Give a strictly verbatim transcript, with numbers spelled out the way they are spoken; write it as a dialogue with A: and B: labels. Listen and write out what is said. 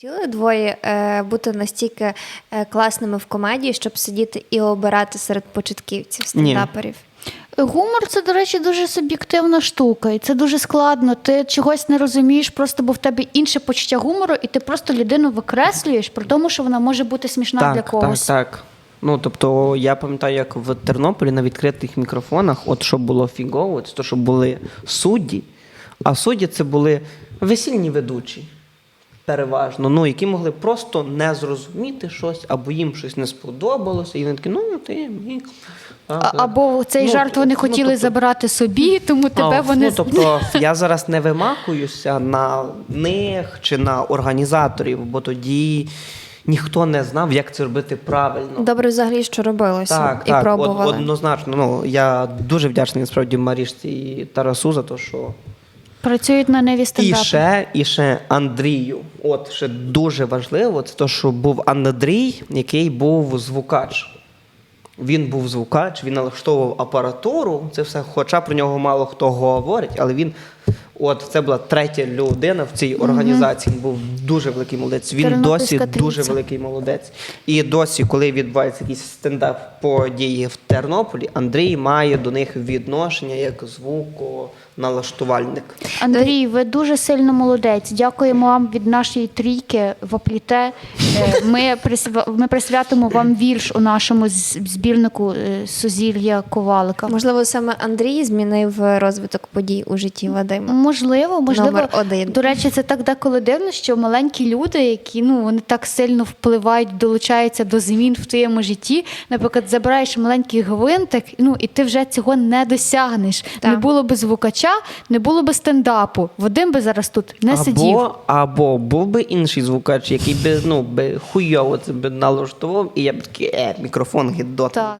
A: Хотіли двоє е, бути настільки е, класними в комедії, щоб сидіти і обирати серед початківців, стендаперів?
B: Гумор – це, до речі, дуже суб'єктивна штука, і це дуже складно. Ти чогось не розумієш, просто бо в тебе інше почуття гумору, і ти просто людину викреслюєш, при тому, що вона може бути смішна
C: так,
B: для когось.
C: Так, так. Ну, тобто, я пам'ятаю, як в Тернополі на відкритих мікрофонах, от що було фігово, це то, що були судді, а судді це були весільні ведучі. Переважно, ну, які могли просто не зрозуміти щось, або їм щось не сподобалося, і вони такі, ну, ти, мій.
B: А, або цей
C: ну,
B: жарт вони
C: ну,
B: хотіли
C: тобто,
B: забирати собі, тому тебе
C: а,
B: вони...
C: Ну, тобто, я зараз не вимахуюся на них чи на організаторів, бо тоді ніхто не знав, як це робити правильно.
A: Добре взагалі, що робилося
C: Так,
A: і
C: так,
A: пробували.
C: Од, однозначно. Ну, я дуже вдячний, насправді, Марішці і Тарасу за те, що...
B: Працюють на неві
C: І
B: стендапи.
C: ще, і ще Андрію. От, ще дуже важливо, це те, що був Андрій, який був звукач. Він був звукач, він налаштовував апаратуру, це все, хоча про нього мало хто говорить, але він, от, це була третя людина в цій організації, він був дуже великий молодець, він досі
B: Тернопільська
C: дуже
B: трійця.
C: великий молодець. І досі, коли відбувається якийсь стендап-події в Тернополі, Андрій має до них відношення як звуконалаштувальник.
B: Андрій, ви дуже сильно молодець. Дякуємо вам від нашої трійки в Апліте. Е, Ми, присва- ми присвятимо вам вірш у нашому з- збірнику е, Сузір'я Ковалика.
A: Можливо, саме Андрій змінив розвиток подій у житті Вадима.
B: Можливо, можливо.
A: Номер один.
B: До речі, це так деколи дивно, що маленькі люди, які ну вони так сильно впливають, долучаються до змін в твоєму житті. Наприклад, забираєш маленький гвинтик, ну і ти вже цього не досягнеш.
A: Так.
B: Не було би звукача, не було би стендапу. Вадим би зараз тут не сидів.
C: Або, або був би інший звукач, який би, ну, би хуйово це би налаштував, і я б такий, е, мікрофон гідотний.
B: Так.